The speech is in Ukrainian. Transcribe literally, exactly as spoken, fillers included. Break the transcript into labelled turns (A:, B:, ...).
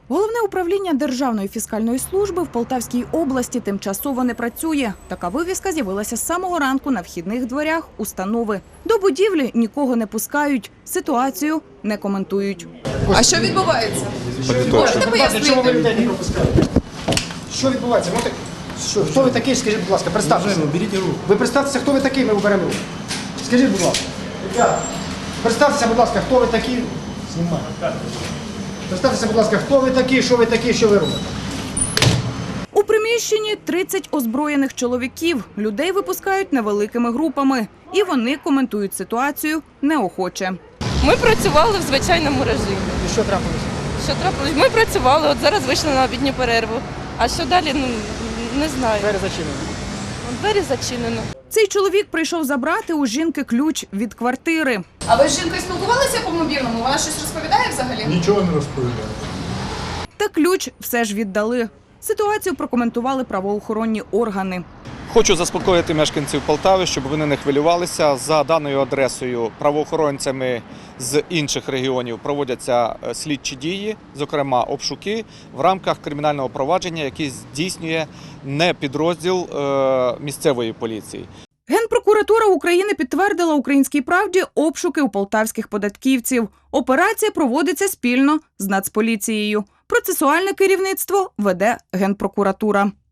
A: Головне управління Державної фіскальної служби в Полтавській області тимчасово не працює. Така вивіска з'явилася з самого ранку на вхідних дверях установи. До будівлі нікого не пускають, ситуацію не коментують.
B: А що відбувається?
C: Можете
B: пояснити?
C: Чому ви людей не пропускаєте? Що відбувається? Можете- Що, хто ви такий, скажіть, будь ласка, представтеся.
D: Беріть руку.
C: Ви представтеся, хто ви такий, ми уберемо руку. Скажіть, будь ласка. Ребята, представтеся, будь ласка, хто ви такі. Знімай. Представтеся, будь ласка, хто ви такі, що ви такі, що ви робите.
A: У приміщенні тридцять озброєних чоловіків. Людей випускають невеликими групами. І вони коментують ситуацію неохоче.
B: Ми працювали в звичайному режимі.
C: І що трапилося?
B: Що трапилось? Ми працювали, от зараз вийшли на обідню перерву. А що далі, ну, не знаю.
C: Двері зачинені.
B: Двері зачинено.
A: Цей чоловік прийшов забрати у жінки ключ від квартири.
E: А ви з жінкою спілкувалися по мобільному? Вона щось розповідає взагалі?
D: Нічого не розповідає.
A: Та ключ все ж віддали. Ситуацію прокоментували правоохоронні органи.
F: Хочу заспокоїти мешканців Полтави, щоб вони не хвилювалися. За даною адресою правоохоронцями з інших регіонів проводяться слідчі дії, зокрема обшуки, в рамках кримінального провадження, яке здійснює не підрозділ місцевої поліції.
A: Генпрокуратура України підтвердила «Українській правді» обшуки у полтавських податківців. Операція проводиться спільно з Нацполіцією. Процесуальне керівництво веде Генпрокуратура.